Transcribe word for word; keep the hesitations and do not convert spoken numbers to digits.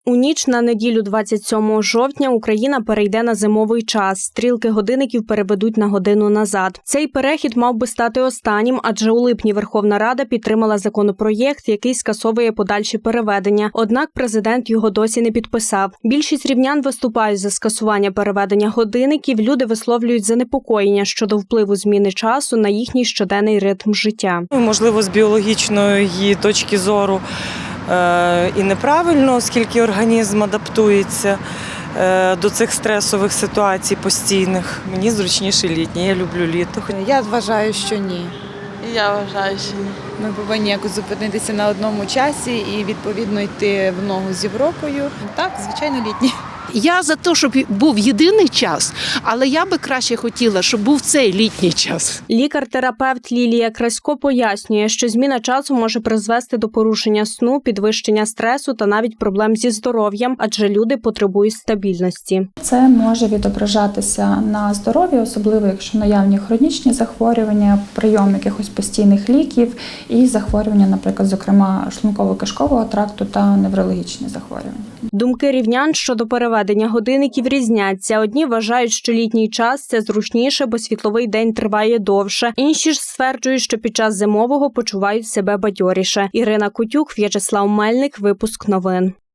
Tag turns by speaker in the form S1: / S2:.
S1: У ніч на неділю двадцять сьомого жовтня Україна перейде на зимовий час. Стрілки годинників переведуть на годину назад. Цей перехід мав би стати останнім, адже у липні Верховна Рада підтримала законопроєкт, який скасовує подальші переведення. Однак президент його досі не підписав. Більшість рівнян виступають за скасування переведення годинників. Люди висловлюють занепокоєння щодо впливу зміни часу на їхній щоденний ритм життя.
S2: Можливо, з біологічної точки зору і неправильно, оскільки організм адаптується до цих стресових ситуацій постійних. Мені зручніше літнє, я люблю літо.
S3: Я вважаю, що ні.
S4: Я вважаю, що ні.
S3: Ми повинні якось зупинитися на одному часі і відповідно йти в ногу з Європою. Так, звичайно, літній.
S5: Я за те, щоб був єдиний час, але я би краще хотіла, щоб був цей літній час.
S1: Лікар-терапевт Лілія Красько пояснює, що зміна часу може призвести до порушення сну, підвищення стресу та навіть проблем зі здоров'ям, адже люди потребують стабільності.
S6: Це може відображатися на здоров'ї, особливо якщо наявні хронічні захворювання, прийом якихось постійних ліків і захворювання, наприклад, зокрема шлунково-кишкового тракту та неврологічні захворювання.
S1: Думки рівнян щодо переведення годинників різняться. Одні вважають, що літній час – це зручніше, бо світловий день триває довше. Інші ж стверджують, що під час зимового почувають себе бадьоріше. Ірина Кутюк, В'ячеслав Мельник, випуск новин.